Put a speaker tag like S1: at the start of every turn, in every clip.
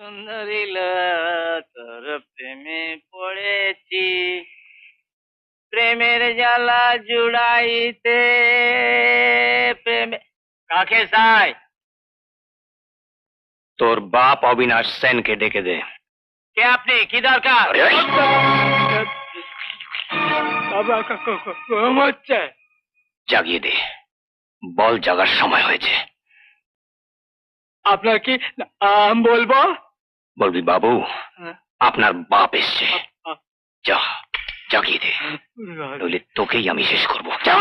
S1: সুন্দরী তোর প্রেমে পড়েছি, প্রেমের জ্বালা জুড়াইতে প্রেমে। কাকে চাই?
S2: তোর বাপ অবিনাশ সেনকে ডেকে দে।
S1: কে আপনি? কি দরকার?
S2: জাগিয়ে দে, বল জাগার সময় হয়েছে।
S1: আপনার কি বলবো?
S2: বলবি বাবু আপনার বাপ এসছে। যা জাগিয়ে দে, নইলে তোকেই আমি শেষ করবো। যা।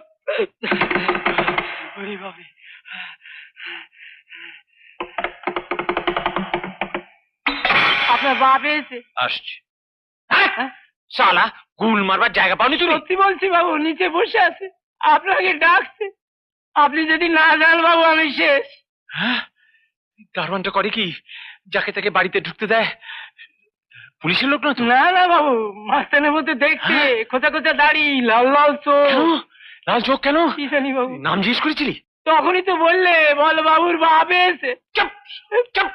S1: আপনার বাপ এসে
S2: আসছে। শালা গুল মারবার জায়গা পাওনি তুই?
S1: সত্যি বলছি বাবু, নিচে বসে আছে, আপনাকে ডাকছে। আপনি যদি না যান বাবু আমি শেষ।
S2: হ্যাঁ, দারোয়ানটা করে কি? যাকে তাকে বাড়িতে ঢুকতে দেয়? পুলিশের লোক না তো?
S1: না না বাবু, মাস্তানের মধ্যে দেখছে, খোঁচা খোঁচা দাড়ি, লাল লাল চোখ।
S2: লাল চোখ কেন?
S1: কি জানি বাবু।
S2: নাম জিজ্ঞেস করেছিলি?
S1: তখনই তো বললে বল বাবুর বাপ এসে।
S2: চুপ চুপ।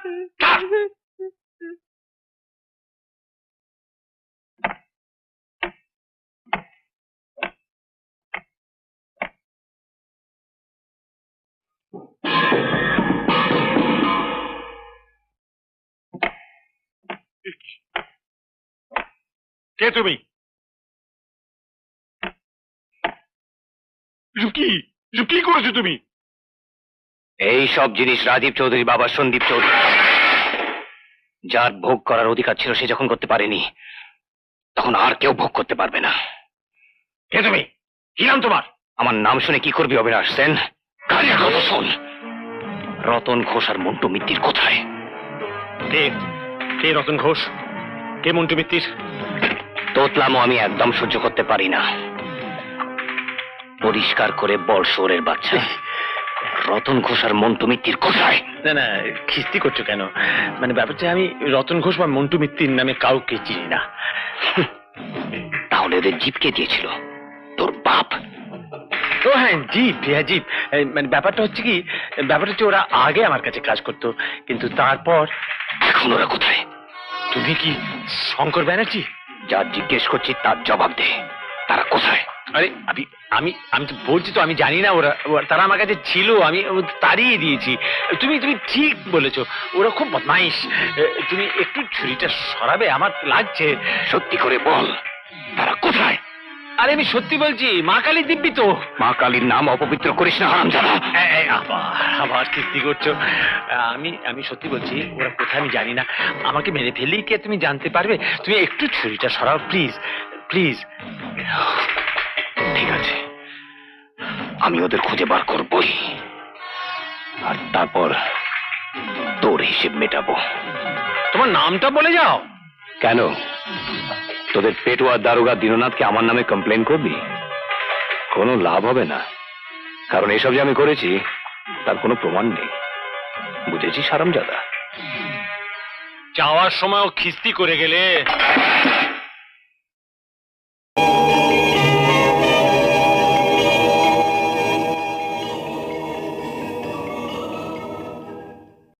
S2: কে তুমি? কি করেছো তুমি? এই সব জিনিস রাজীব চৌধুরী বাবা সন্দীপ চৌধুরী, যার ভোগ করার অধিকার ছিল সে যখন করতে পারেনি, তখন আর কেউ ভোগ করতে পারবে না। কে তুমি? কি নাম তোমার? আমার নাম শুনে কি করবি অবিনাশ সেন? গাড়ির কথা শোন। রতন ঘোষ আর মন্টু মিত্তির কোথায়? কে রতন ঘোষ? কে মন্টু মিত্তির? তোতলামো আমি একদম সহ্য করতে পারি না। পরিষ্কার করে বল শোরের বাচ্চা, রতন ঘোষ আর মন্টু মিত্তির কোথায়?
S3: না না, খিস্তি করছো কেন? মানে ব্যাপারটা, আমি রতন ঘোষ বা মন্টু মিত্তির নামে কাউকে চিনি না।
S2: তাহলে ওদের জিপ কে দিয়েছিল? তোর বাপ?
S3: ও হ্যাঁ, জিপ, হ্যাঁ জিপ। মানে ব্যাপারটা হচ্ছে কি, ব্যাপারটা হচ্ছে ওরা আগে আমার কাছে কাজ করতো, কিন্তু তারপর।
S2: এখন ওরা কোথায়?
S3: তুমি কি শঙ্কর ব্যানার্জি?
S2: যা জিজ্ঞেস করছি তার জবাব দে, তারা কোথায়?
S3: আরে আমি তো বলছি তো, আমি জানি না। তারা আমার কাছে ছিল, আমি তাড়িয়ে দিয়েছি। তুমি ঠিক বলেছো, ওরা খুব বদমাইশ। তুমি একটু ছুরিটা সরাবে? আমার লাগছে।
S2: সত্যি করে বল, তারা কোথায়?
S3: আরে আমি সত্যি বলছি, মা কালী দিব্যি তো।
S2: মা কালীর নাম অপবিত্র করিস না হারামজাদা।
S3: আবার কিস্তি করছো। আমি সত্যি বলছি, ওরা কোথায় আমি জানি না। আমাকে মেরে ফেললেই কি তুমি জানতে পারবে? তুমি একটু ছুরিটা সরাও প্লিজ, প্লিজ।
S2: ঠিক আছে, আমি ওদের খুঁজে বার করবই, আর তারপর তোর হিসেব মেটাবো।
S3: তোমার নামটা বলে যাও।
S2: কেন, তোদের পেটুয়া দারোগা দীননাথকে আমার নামে কমপ্লেন করবি? কোনো লাভ হবে না, কারণ এসব যে আমি করেছি তার কোনো প্রমাণ নেই। বুঝেছিস হারামজাদা?
S3: যাওয়ার সময়ও খিস্তি করে গেলে।